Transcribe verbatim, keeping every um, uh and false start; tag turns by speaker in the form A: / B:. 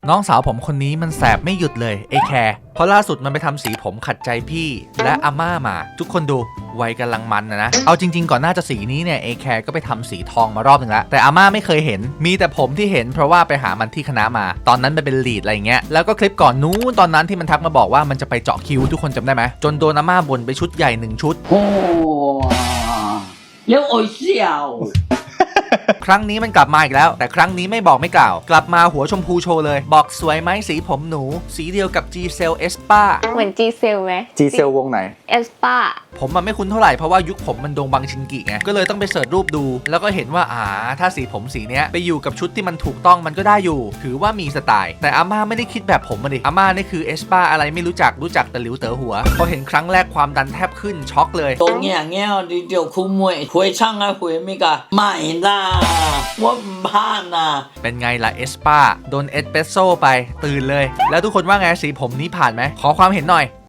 A: น้องสาวผมคนนี้มันแสบไม่หยุดเลยไอแคร์เพราะล่าสุดมันไปทำสีผมขัดใจพี่และอาม่ามาทุกคนดูวัยกำลังมันนะนะเอาจริงๆก่อนหน้าจะสีนี้เนี่ยไอแคร์ก็ไปทำสีทองมารอบหนึ่งแล้วแต่อาม่าไม่เคยเห็นมีแต่ผมที่เห็นเพราะว่าไปหามันที่คณะมาตอนนั้นมันเป็นลีดอะไรเงี้ยแล้วก็คลิปก่อนนู้นตอนนั้นที่มันทักมาบอกว่ามันจะไปเจาะคิ้วทุกคนจำได้ไหมจนโดนอาม่าบ่นไปชุดใหญ่หนึ่งชุด
B: โอ้ยังโอ้ยเสี่ยว
A: ครั้งนี้มันกลับมาอีกแล้วแต่ครั้งนี้ไม่บอกไม่กล่าวกลับมาหัวชมพูโชว์เลยบอกสวยไหมสีผมหนูสีเดียวกับ G Cell Espa
C: เหมือน G Cell ไหม
D: G Cell วงไหน
C: Espa
A: ผมมันไม่คุ้นเท่าไหร่เพราะว่ายุคผมมันโดงบังชินกิไงก็เลยต้องไปเสิร์ชรูปดูแล้วก็เห็นว่าอ่าถ้าสีผมสีเนี้ยไปอยู่กับชุดที่มันถูกต้องมันก็ได้อยู่ถือว่ามีสไตล์แต่อาม่าไม่ได้คิดแบบผมมาดิอาม่านี่คือ Espa อะไรไม่รู้จักรู้จักแต่หลิวเต๋อหัวพอเห็นครั้งแรกความดันแทบขึ้นช็อกเลย
B: ตรงเงี้ยเงี้ยดิเดียวคู่มวยหวยช่างอะหวยไม่กะไม่ล่ะว่าบ้านน่ะ
A: เป็นไงล่ะ Espa โดนเอสเปรสโซ่ไปตื่นเลยแล้วทุกคนว่าไงสีผมนี้ผ่านไหมขอความเห็นหน่อย